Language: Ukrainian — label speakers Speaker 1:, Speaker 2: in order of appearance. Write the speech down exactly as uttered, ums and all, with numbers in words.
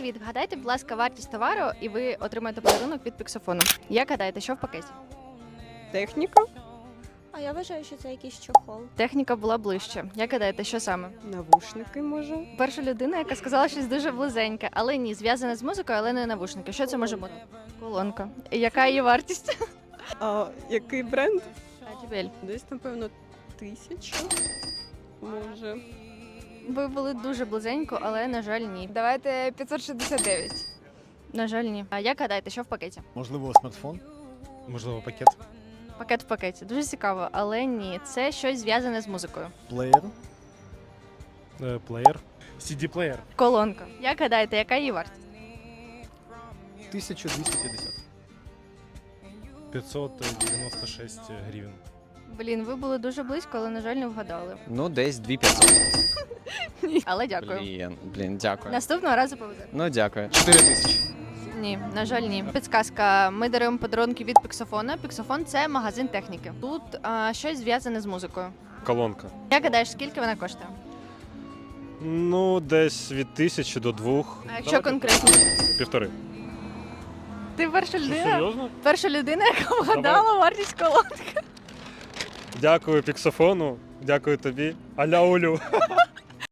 Speaker 1: Привіт, вгадайте, будь ласка, вартість товару, і ви отримаєте подарунок від піксофону. Як гадаєте, що в пакеті?
Speaker 2: Техніка,
Speaker 3: А я вважаю, що це якийсь чохол.
Speaker 1: Техніка була ближче. Як гадаєте, що саме?
Speaker 2: навушники, може.
Speaker 1: Перша людина, яка сказала щось дуже близеньке, але ні, зв'язане з музикою, але не навушники. Що це може бути? Колонка. І яка її вартість?
Speaker 2: А який бренд?
Speaker 1: Джебель.
Speaker 2: Десь, напевно, тисяча. Може.
Speaker 1: Ви були дуже близенько, але, на жаль, ні.
Speaker 4: Давайте п'ятсот шістдесят дев'ять.
Speaker 1: На жаль, ні. А як гадаєте, що в пакеті?
Speaker 5: Можливо, смартфон, можливо, пакет,
Speaker 1: Пакет в пакеті. Дуже цікаво, але ні. Це щось зв'язане з музикою.
Speaker 5: плеєр,
Speaker 6: Е, Плеєр. сі ді-плеєр.
Speaker 1: Колонка. Як гадаєте, яка її вартість?
Speaker 5: тисяча двісті п'ятдесят.
Speaker 6: п'ятсот дев'яносто шість гривень.
Speaker 1: Блін, ви були дуже близько, але, на жаль, не вгадали.
Speaker 7: Ну, десь дві п'ятсот.
Speaker 1: Але дякую.
Speaker 7: Блін, блін, дякую.
Speaker 1: Наступного разу повезе.
Speaker 7: Ну, дякую. чотири тисячі.
Speaker 1: Ні, на жаль, ні. Підсказка. Ми даруємо подарунки від Піксофона. Піксофон – це магазин техніки. Тут а, щось зв'язане з музикою.
Speaker 6: Колонка.
Speaker 1: Як гадаєш, скільки вона коштує?
Speaker 6: Ну, десь від тисячі до двох.
Speaker 1: А якщо конкретно?
Speaker 6: Півтори.
Speaker 1: Ти перша людина,
Speaker 6: серйозно?
Speaker 1: перша людина, яка вгадала вартість колонки.
Speaker 6: Дякую Піксофону, дякую тобі. Аля Олю.